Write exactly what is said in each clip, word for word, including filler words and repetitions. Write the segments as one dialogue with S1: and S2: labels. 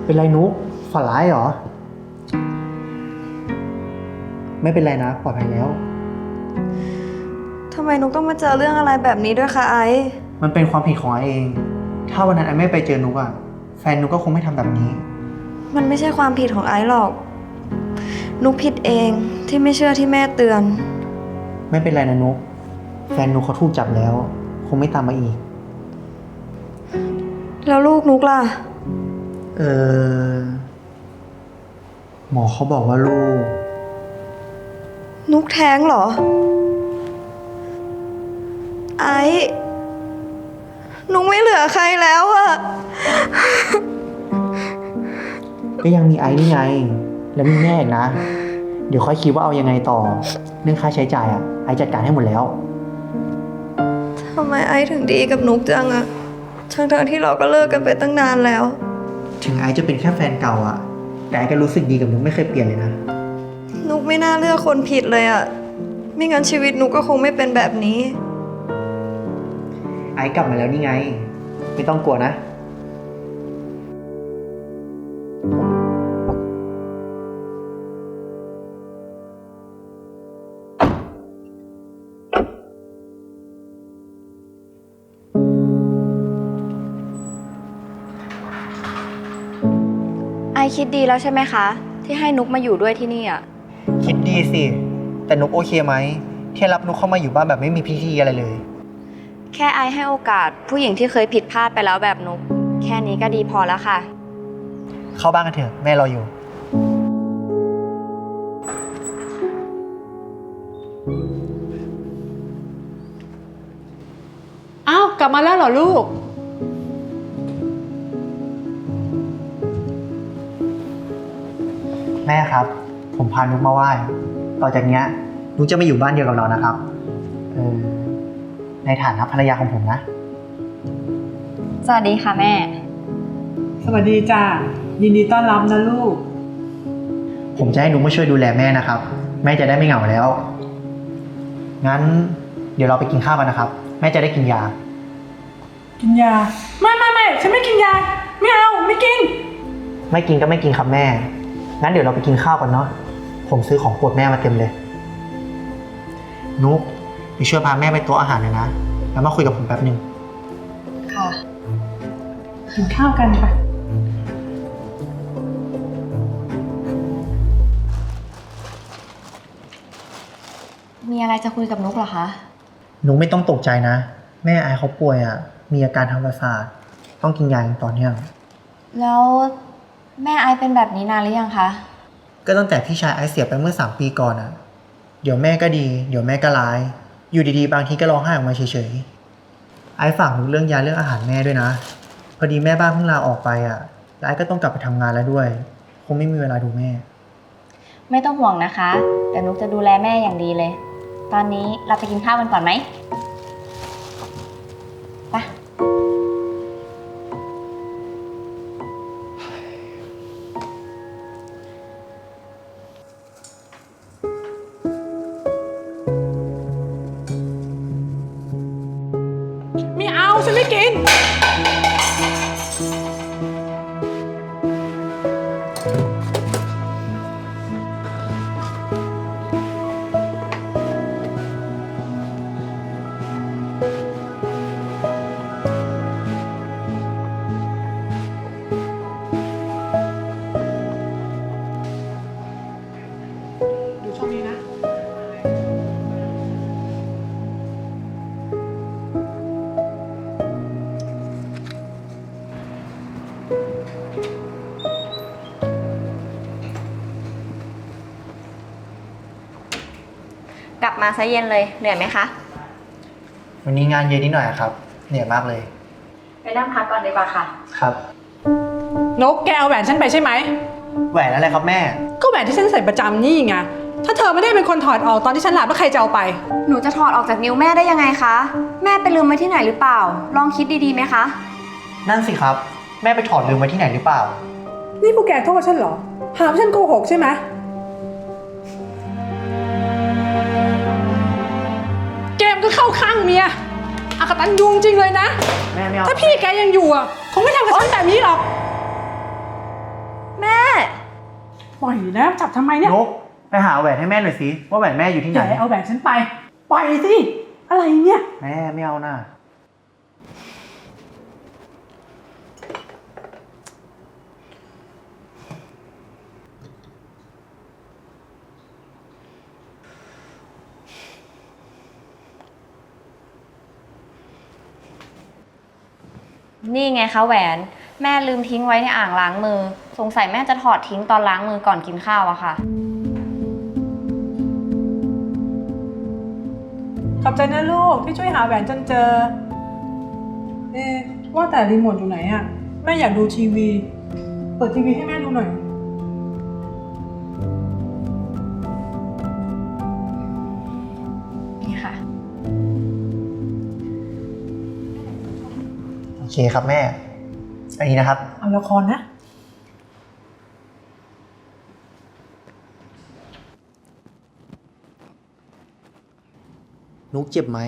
S1: เป็นไรนุ๊กฝันร้ายเหรอไม่เป็นไรนะปลอดภัยแล้ว
S2: ทำไมนุกต้องมาเจอเรื่องอะไรแบบนี้ด้วยคะไอซ์
S1: มันเป็นความผิดของไอเองถ้าวันนั้นไอไม่ไปเจอนุ๊กอะแฟนนุ๊กก็คงไม่ทำแบบนี้
S2: มันไม่ใช่ความผิดของไอซ์หรอกนุกผิดเองที่ไม่เชื่อที่แม่เตือน
S1: ไม่เป็นไรนะนุ๊กแฟนนุ๊กเขาถูกจับแล้วคงไม่ตามมาอีก
S2: แล้วลูกนุกล่ะ
S1: เออหมอเขาบอกว่าลูก
S2: นุกแท้งเหรอไอ้นุกไม่เหลือใครแล้วอะ
S1: ก็ยังมีไอ้นี่ไงแล้วมีแม่อีกนะเดี๋ยวค่อยคิดว่าเอายังไงต่อเรื่องค่าใช้จ่ายอะไอ้จัดการให้หมดแล้ว
S2: ทำไมไอ้ถึงดีกับนุกจังอะทั้งๆที่เราก็เลิกกันไปตั้งนานแล้ว
S1: ถึงไอ้จะเป็นแค่แฟนเก่าอะแต่ไอ้ก็รู้สึกดีกับนุกไม่เคยเปลี่ยนเลยนะ
S2: นุกไม่น่าเลือกคนผิดเลยอะไม่งั้นชีวิตนุกก็คงไม่เป็นแบบนี้
S1: ไอ้กลับมาแล้วนี่ไงไม่ต้องกลัวนะ
S3: ไอคิดดีแล้วใช่ไหมคะที่ให้นุกมาอยู่ด้วยที่นี่อ่ะ
S1: คิดดีสิแต่นุกโอเคไหมแค่รับนุกเข้ามาอยู่บ้านแบบไม่มีพิธีอะไรเลย
S3: แค่ไอให้โอกาสผู้หญิงที่เคยผิดพลาดไปแล้วแบบนุกแค่นี้ก็ดีพอแล้วค่ะ
S1: เข้าบ้านกันเถอะแม่รออยู่
S4: อ้าวกลับมาแล้วเหรอลูก
S1: แม่ครับผมพานุกมาไหว้ต่อจากนี้นุกจะมาอยู่บ้านเดียวกับเรานะครับเออในฐานะภรรยาของผมนะ
S3: สวัสดีค่ะแม่
S4: สวัสดีจ้ายินดีต้อนรับนะลูก
S1: ผมจะให้นุกมาช่วยดูแลแม่นะครับแม่จะได้ไม่เหงาแล้วงั้นเดี๋ยวเราไปกินข้าวกันนะครับแม่จะได้กินยา
S4: กินยาไม่ไม่ไม่ฉันไม่กินยาไม่เอาไม่กิน
S1: ไม่กินก็ไม่กินครับแม่งั้นเดี๋ยวเราไปกินข้าวกันเนาะผมซื้อของโปรดแม่มาเต็มเลยนุกไปช่วยพาแม่ไปโต๊ะอาหารหน่อยนะแล้วมาคุยกับผมแป๊บนึง
S3: ค่ะ
S4: กินข้าวกันไป
S3: มีอะไรจะคุยกับนุกเหรอคะ
S1: นุกไม่ต้องตกใจนะแม่ไอเขาป่วยอ่ะมีอาการทางประสาทต้องกินยาอย่างต่อเนื่อง
S3: แล้วแม่ไอเป็นแบบนี้นานหรือยังคะ
S1: ก็ตั้งแต่พี่ชายไอเสียไปเมื่อสามปีก่อนอ่ะเดี๋ยวแม่ก็ดีเดี๋ยวแม่ก็ร้ายอยู่ดีๆบางทีก็ร้องไห้ออกมาเฉยๆไอฝากนุกเรื่องยาเรื่องอาหารแม่ด้วยนะพอดีแม่บ้านเพิ่งลาออกไปอ่ะแล้วไอก็ต้องกลับไปทำงานแล้วด้วยคงไม่มีเวลาดูแม่
S3: ไม่ต้องห่วงนะคะเดี๋ยวนุกจะดูแลแม่อย่างดีเลยตอนนี้เราไปกินข้าวกันก่อนไหมไป
S4: ไม่เอาฉันไม่กิน
S3: กลับมาซะเย็นเลยเหนื่อยไหมคะ
S1: วันนี้งานเยอะนิดหน่อยครับเหนื่อยมากเลย
S3: ไปนั่งพักก่อนดีกว่าค่ะ
S1: ครับ
S4: นกแกเอาแหวนฉันไปใช่ไหม
S1: แหวนอะไรครับแม่
S4: ก็แหวนที่ฉันใส่ประจำนี่ไงถ้าเธอไม่ได้เป็นคนถอดออกตอนที่ฉันหลับแล้วใครจะเอาไป
S3: หนูจะถอดออกจากนิ้วแม่ได้ยังไงคะแม่ไปลืมไว้ที่ไหนหรือเปล่าลองคิดดีๆไหมคะ
S1: นั่นสิครับแม่ไปถอดลืมไว้ที่ไหนหรือเปล่า
S4: นี่พวกแกโทษฉันเหรอหาว่าฉันโกหกใช่ไหมแกมก็เข้าข้างเมียอากตันยุงจริงเลยนะ
S1: แม่ไม่เอา
S4: ถ้าพี่แกยังอยู่อ่ะคงไม่ทำกับฉันแบบนี้หรอกปล่อยนะจับทำไมเนี่ย
S1: นุกไปหาแหวนให้แม่หน่อยสิว่าแหวนแม่อยู่ที่ไห
S4: อน ย่าเอาแหวนฉันไปปล่อยสิอะไรเนี่ย
S1: แม่ไม่เอาน่ะ
S3: นี่ไงคะแหวน แม่ลืมทิ้งไว้ในอ่างล้างมือ สงสัยแม่จะถอดทิ้งตอนล้างมือก่อนกินข้าวอะค่ะ
S4: ขอบใจนะลูกที่ช่วยหาแหวนจนเจอ เอ๊ะว่าแต่รีโมทอยู่ไหนอะแม่อยากดูทีวี เปิดทีวีให้แม่ดูหน่อย
S3: นี่ค่ะ
S1: โอเคครับแม่ อันนี้นะครับ
S4: เอาละครนะ
S1: นุกเจ็บไหม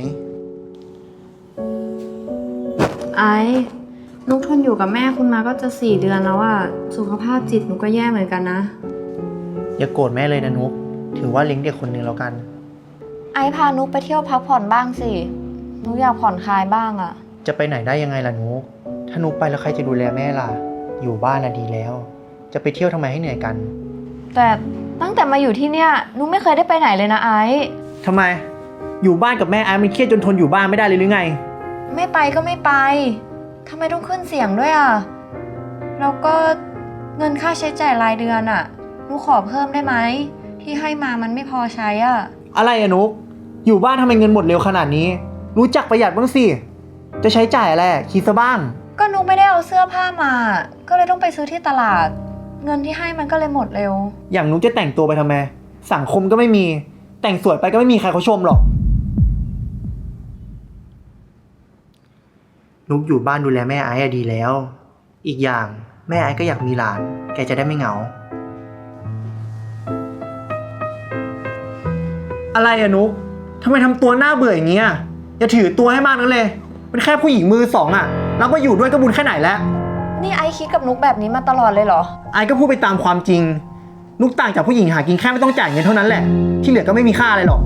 S2: ไอ้นุกทนอยู่กับแม่คุณมาก็จะสี่เดือนแล้วอะสุขภาพจิตนุกก็แย่เหมือนกันนะ
S1: อย่าโกรธแม่เลยนะนุกถือว่าเลี้ยงเด็กคนหนึ่งแล้วกัน
S3: ไอพานุกไปเที่ยวพักผ่อนบ้างสิ นุกอยากผ่อนคลายบ้างอะ
S1: จะไปไหนได้ยังไงล่ะนุกถ้านุกไปแล้วใครจะดูแลแม่ล่ะ อยู่บ้านน่ะดีแล้ว จะไปเที่ยวทำไมให้เหนื่อยกัน
S2: แต่ตั้งแต่มาอยู่ที่เนี่ยนุกไม่เคยได้ไปไหนเลยนะไอ้
S1: ทำไม อยู่บ้านกับแม่ไอ้มันเครียดจนทนอยู่บ้านไม่ได้เลยหรือไง
S2: ไม่ไปก็ไม่ไปทำไมต้องขึ้นเสียงด้วยอะแล้วก็เงินค่าใช้จ่ายรายเดือนอะนุกขอเพิ่มได้ไหมที่ให้มามันไม่พอใช้อะ
S1: อะไรอะนุกอยู่บ้านทำไมเงินหมดเร็วขนาดนี้ รู้จักประหยัดบ้างสิ จะใช้จ่ายอะไรคิดซะบ้าง
S2: ก็นุกไม่ได้เอาเสื้อผ้ามา ก็เลยต้องไปซื้อที่ตลาด เงินที่ให้มันก็เลยหมดเร็ว
S1: อย่างนุกจะแต่งตัวไปทำไม สังคมก็ไม่มี แต่งสวยไปก็ไม่มีใครเขาชมหรอก นุกอยู่บ้านดูแลแม่ไอ้อะดีแล้ว อีกอย่างแม่ไอ้ก็อยากมีหลาน แกจะได้ไม่เหงา อะไรอะนุกทำไมทำตัวหน้าเบื่ออย่างเงี้ยอย่าถือตัวให้มากนักเลย เป็นแค่ผู้หญิงมือสองอะแล้วมาอยู่ด้วยก็บุญแค่ไหนแล้ว
S2: นี่ไอ้คิดกับนุกแบบนี้มาตลอดเลยเหรอ
S1: ไอ้ก็พูดไปตามความจริง นุกต่างจากผู้หญิงหากินแค่ไม่ต้องจ่ายเงินเท่านั้นแหละ ที่เหลือก็ไม่มีค่าอะไรหรอก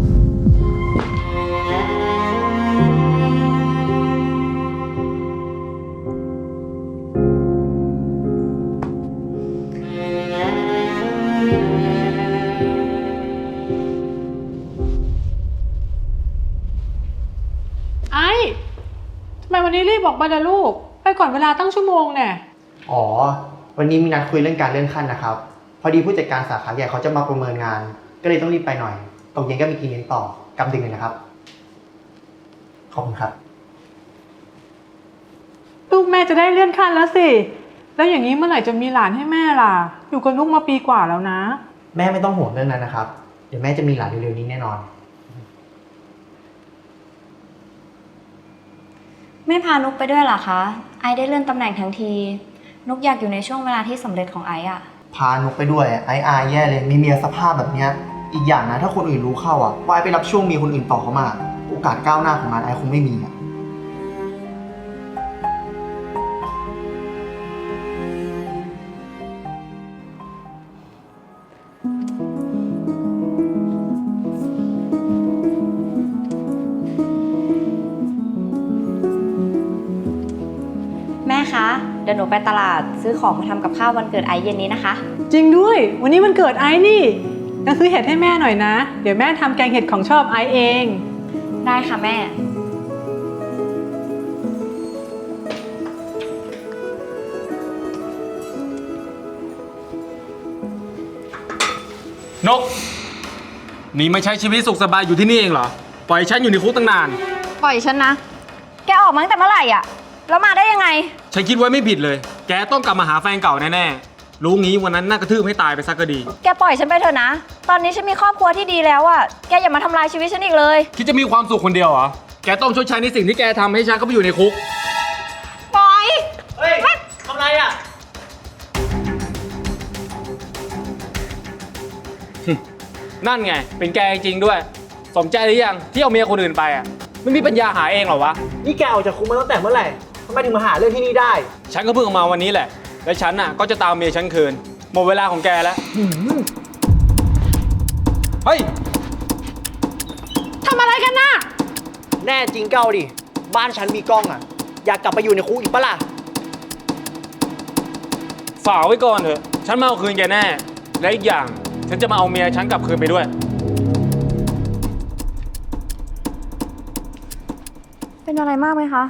S4: ไอ้ทำไมวันนี้รีบออกมาล่ะลูก ไปก่อนเวลาตั้งชั่วโมงแน่
S1: อ๋อ วันนี้มีนัดคุยเรื่องการเลื่อนขั้นนะครับ พอดีผู้จัดการสาขาใหญ่เขาจะมาประเมินงาน ก็เลยต้องรีบไปหน่อย ตกเย็นก็มีกินเลี้ยงต่อกำดึงเลยนะครับ ขอบคุณครับ
S4: ลูกแม่จะได้เลื่อนขั้นแล้วสิ แล้วอย่างนี้เมื่อไหร่จะมีหลานให้แม่ล่ะ อยู่กับลูกมาปีกว่าแล้วนะ
S1: แม่ไม่ต้องห่วงเรื่องนั้นนะครับ เดี๋ยวแม่จะมีหลานเร็วๆนี้แน่นอน
S3: ไม่พานุกไปด้วยเหรอคะ ไอได้เลื่อนตำแหน่งทั้งที นุกอยากอยู่ในช่วงเวลาที่สำเร็จของไออะ
S1: พานุกไปด้วยไอ้อายแย่เลยมีเมียสภาพแบบเนี้ยอีกอย่างนะถ้าคนอื่นรู้เข้าอ่ะว่าไอ้ไปรับช่วงเมียคนอื่นต่อเขามาโอกาสก้าวหน้าของงานไอ้คงไม่มีอ่ะ
S3: แม่คะ เดี๋ยวหนูไปตลาดซื้อของมาทำกับข้าววันเกิดไอเย็นนี้นะคะ
S4: จริงด้วย วันนี้มันเกิดไอ้นี่งั้นซื้อเห็ดให้แม่หน่อยนะ เดี๋ยวแม่ทำแกงเห็ดของชอบไอ้เอง
S3: ได้ค่ะแม่
S5: นก นี่ไม่ใช้ชีวิตสุขสบายอยู่ที่นี่เองเหรอ ปล่อยฉันอยู่ในคุกตั้งนาน
S3: ปล่อยฉันนะ แกออกมาตั้งแต่เมื่อไหร่อะแล้วมาได้ยังไง
S5: ฉันคิดไว้ไม่ผิดเลย แกต้องกลับมาหาแฟนเก่าแน่ๆ รู้งี้วันนั้นน่ากระทืบให้ตายไปซะก็ดี
S2: แกปล่อยฉันไปเถอะนะ ตอนนี้ฉันมีครอบครัวที่ดีแล้วอะแกอย่ามาทำลายชีวิตฉันอีกเลย
S5: คิดจะมีความสุขคนเดียวเหรอ แกต้องชดใช้ในสิ่งที่แกทำให้ฉันเข้าไปอยู่ในคุก
S2: ปล่อย
S1: เฮ้ยทำไรอ่ะ
S5: นั่นไง เป็นแกจริงๆด้วย สมใจหรือยังที่เอาเมียคนอื่นไปอ่ะ ไม่มีปัญญาหาเองเหรอวะ
S1: นี่แกออกจากคุกมาตั้งแต่เมื่อไหร่ทำไมถึงมาหาเรื่องที่นี่ได้
S5: ฉันก็เพิ่งออกมาวันนี้แหละ และฉันน่ะก็จะตามเมียฉันคืนหมดเวลาของแกแล้ว เฮ้ย
S4: ทำอะไรกันน่ะ
S1: แน่จริงเก้าดิ บ้านฉันมีกล้องอ่ะ อยากกลับไปอยู่ในคุกอีกปะล่ะ
S5: ฝากไว้ก่อนเถอะ ฉันมาเอาคืนแกแน่ และอีกอย่าง ฉันจะมาเอาเมียฉันกลับคืนไปด้วย
S2: เป็นอะไรมากไหมคะ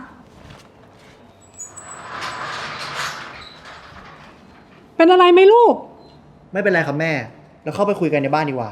S4: เป็นอะไรไหมลูก
S1: ไม่เป็นไรครับแม่ แล้วเข้าไปคุยกันในบ้านดีกว่า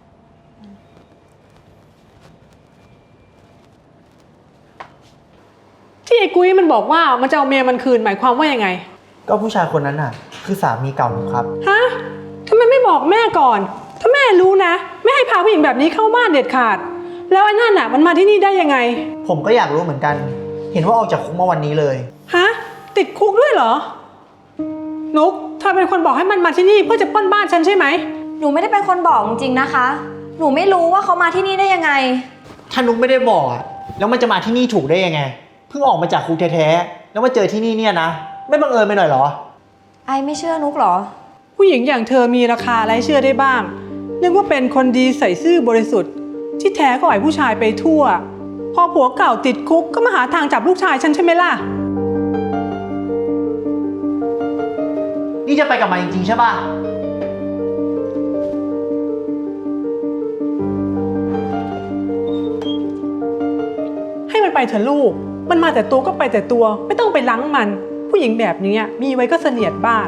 S4: ที่ไอ้กุ้ยมันบอกว่ามันจะเอาเมียมันคืนหมายความว่ายังไง
S1: ก็ผู้ชายคนนั้นน่ะ คือสามีเก่าหนูครับ
S4: ฮะทำไมไม่บอกแม่ก่อน ถ้าแม่รู้นะ ไม่ให้พาผู้หญิงแบบนี้เข้าบ้านเด็ดขาด แล้วไอ้นั่นน่ะมันมาที่นี่ได้ยังไง
S1: ผมก็อยากรู้เหมือนกัน เห็นว่าออกจากคุกมาวันนี้เลย
S4: ฮะ ติดคุกด้วยเหรอ นุกเธอเป็นคนบอกให้มันมาที่นี่เพื่อจะปล้นบ้านฉันใช่ไหม
S2: หนูไม่ได้เป็นคนบอกจริงๆนะคะ หนูไม่รู้ว่าเขามาที่นี่ได้ยังไง
S1: ถ้านุกไม่ได้บอกอ่ะ แล้วมันจะมาที่นี่ถูกได้ยังไง เพิ่งออกมาจากคุกแท้ๆ แล้วมาเจอที่นี่เนี่ยนะ ไม่บังเอิญไปหน่อยเหรอ
S2: ไอไม่เชื่อนุกเหรอ
S4: ผู้หญิงอย่างเธอมีราคาอะไรเชื่อได้บ้าง นึกว่าเป็นคนดีใส่ซื่อบริสุทธิ์ ที่แท้ก็ปล่อยผู้ชายไปทั่ว พอผัวเก่าติดคุกก็มาหาทางจับลูกชายฉันใช่ไหมล่ะ
S1: นี่จะไปกับมันจริงๆใช่ป่ะ
S4: ให้มันไปเถอะลูก มันมาแต่ตัวก็ไปแต่ตัว ไม่ต้องไปล้างมัน ผู้หญิงแบบนี้มีไว้ก็เสนียดบ้าน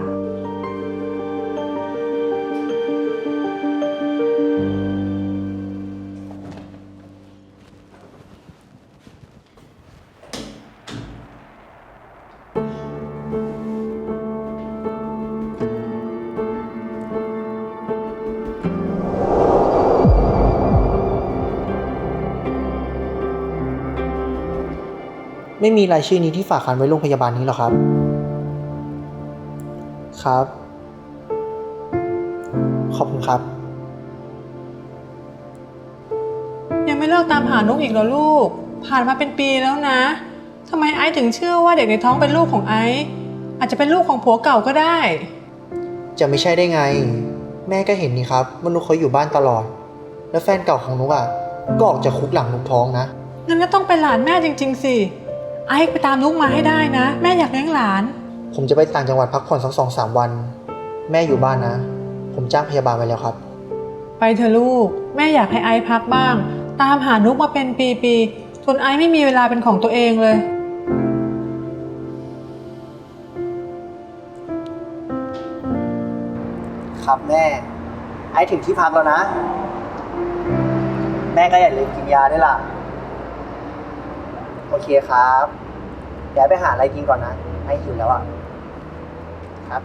S1: ไม่มีรายชื่อนี้ที่ฝากคันไว้โรงพยาบาลนี้หรอครับ ครับ ขอบคุณครับ
S4: ยังไม่เลิกตามหานกอีกเหรอลูก ผ่านมาเป็นปีแล้วนะทำไมไอซ์ถึงเชื่อว่าเด็กในท้องเป็นลูกของไอซ์อาจจะเป็นลูกของผัวเก่าก็ได้
S1: จะไม่ใช่ได้ไง แม่ก็เห็นนี่ครับว่านุกเขาอยู่บ้านตลอด แล้วแฟนเก่าของนุกอ่ะ ก็ออกจากคุกหลังนุกท้องนะ
S4: งั้นก็ต้องเป็นหลานแม่จริงๆสิ ไอซ์ไปตามลูกมาให้ได้นะ แม่อยากเลี้ยงหลาน
S1: ผมจะไปต่างจังหวัดพักผ่อนสักสองสามวัน แม่อยู่บ้านนะ ผมจ้างพยาบาลไว้แล้วครับ
S4: ไปเถอะลูก แม่อยากให้ไอซ์พักบ้าง ตามหานุกมาเป็นปีๆจนไอซ์ไม่มีเวลาเป็นของตัวเองเลย
S1: ครับแม่ ไอถึงที่พักแล้วนะ แม่ก็อย่าลืมกินยาด้วยล่ะ โอเคครับ เดี๋ยวไปหาอะไรกินก่อนนะ ไอหิวแล้วอ่ะ ครับ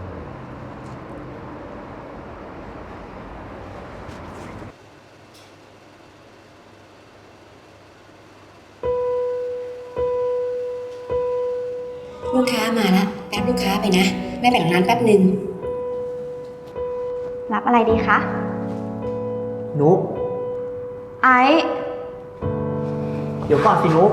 S6: ลูกค้ามาแล้วแป๊บลูกค้าไปนะแม่แบ่งร้านแป๊บหนึ่ง
S3: รับอะไรดีคะ
S1: นุก
S2: ไอ
S1: เดี๋ยวก่อนสินุก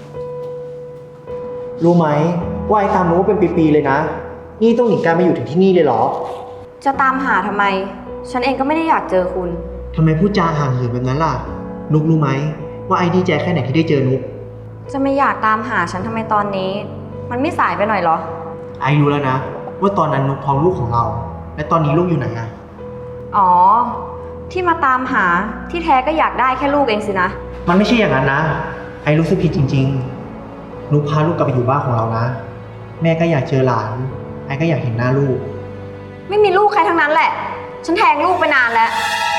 S1: รู้ไหมว่าไอ้ตามนุกเป็นปีๆเลยนะ นี่ต้องหนีการมาอยู่ถึงที่นี่เลยเหรอ
S2: จะตามหาทำไม ฉันเองก็ไม่ได้อยากเจอคุณ
S1: ทำไมพูดจาห่างเหินแบบนั้นล่ะ นุกรู้ไหมว่าไอ้ดีใจแค่ไหนที่ได้เจอนุก
S2: จะไม่อยากตามหาฉันทำไมตอนนี้ มันไม่สายไปหน่อยเหรอ
S1: ไอ้รู้แล้วนะ ว่าตอนนั้นนุกท้องลูกของเรา และตอนนี้ลูกอยู่ไหนอะ
S2: อ๋อ ที่มาตามหาที่แท้ก็อยากได้แค่ลูกเองสินะ
S1: มันไม่ใช่อย่างนั้นนะ ไอ้รู้สึกผิดจริงๆ นุกพาลูกกลับไปอยู่บ้านของเรานะ แม่ก็อยากเจอหลาน ไอ้ก็อยากเห็นหน้าลูก
S2: ไม่มีลูกใครทั้งนั้นแหละ ฉันแทงลูกไปนานแล้ว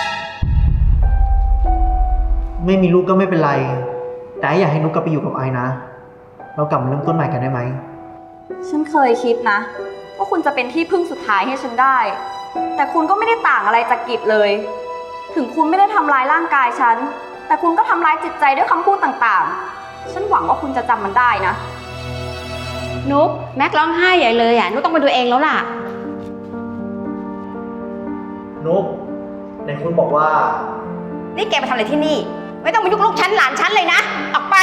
S1: ไม่มีลูกก็ไม่เป็นไร แต่ไอ้อยากให้นุกกลับไปอยู่กับไอ้นะ เรากลับมาเริ่มต้นใหม่กันได้ไหม
S2: ฉันเคยคิดนะว่าคุณจะเป็นที่พึ่งสุดท้ายให้ฉันได้ แต่คุณก็ไม่ได้ต่างอะไรจากกิจเลย ถึงคุณไม่ได้ทำร้ายร่างกายฉัน แต่คุณก็ทำร้ายจิตใจด้วยคำพูดต่างๆ ฉันหวังว่าคุณจะจำมันได้นะ
S6: นุกแม็กร้องไห้ใหญ่เลยอ่ะนุกต้องไปดูเองแล้วล่ะ
S1: นุกไหนคุณบอกว่า
S6: นี่แกมาทำอะไรที่นี่ ไม่ต้องมายุ่งลูกฉันหลานฉันเลยนะ ออกไป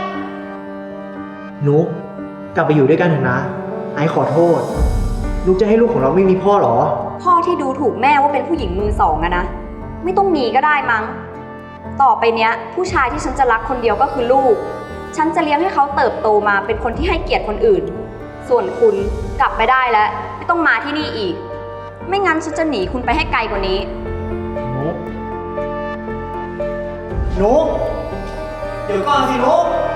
S1: นุกกลับไปอยู่ด้วยกันเถอะนะ ไอ้ขอโทษ นุกจะให้ลูกของเราไม่มีพ่อเหรอ
S3: พ่อที่ดูถูกแม่ว่าเป็นผู้หญิงมือสองอะนะ ไม่ต้องมีก็ได้มั้ง ต่อไปเนี้ย ผู้ชายที่ฉันจะรักคนเดียวก็คือลูก ฉันจะเลี้ยงให้เขาเติบโตมาเป็นคนที่ให้เกียรติคนอื่น ส่วนคุณกลับไปได้แล้ว ไม่ต้องมาที่นี่อีก ไม่งั้นฉันจะหนีคุณไปให้ไกลกว่านี้
S1: นุกนุกเดี๋ยวก่อนสินุก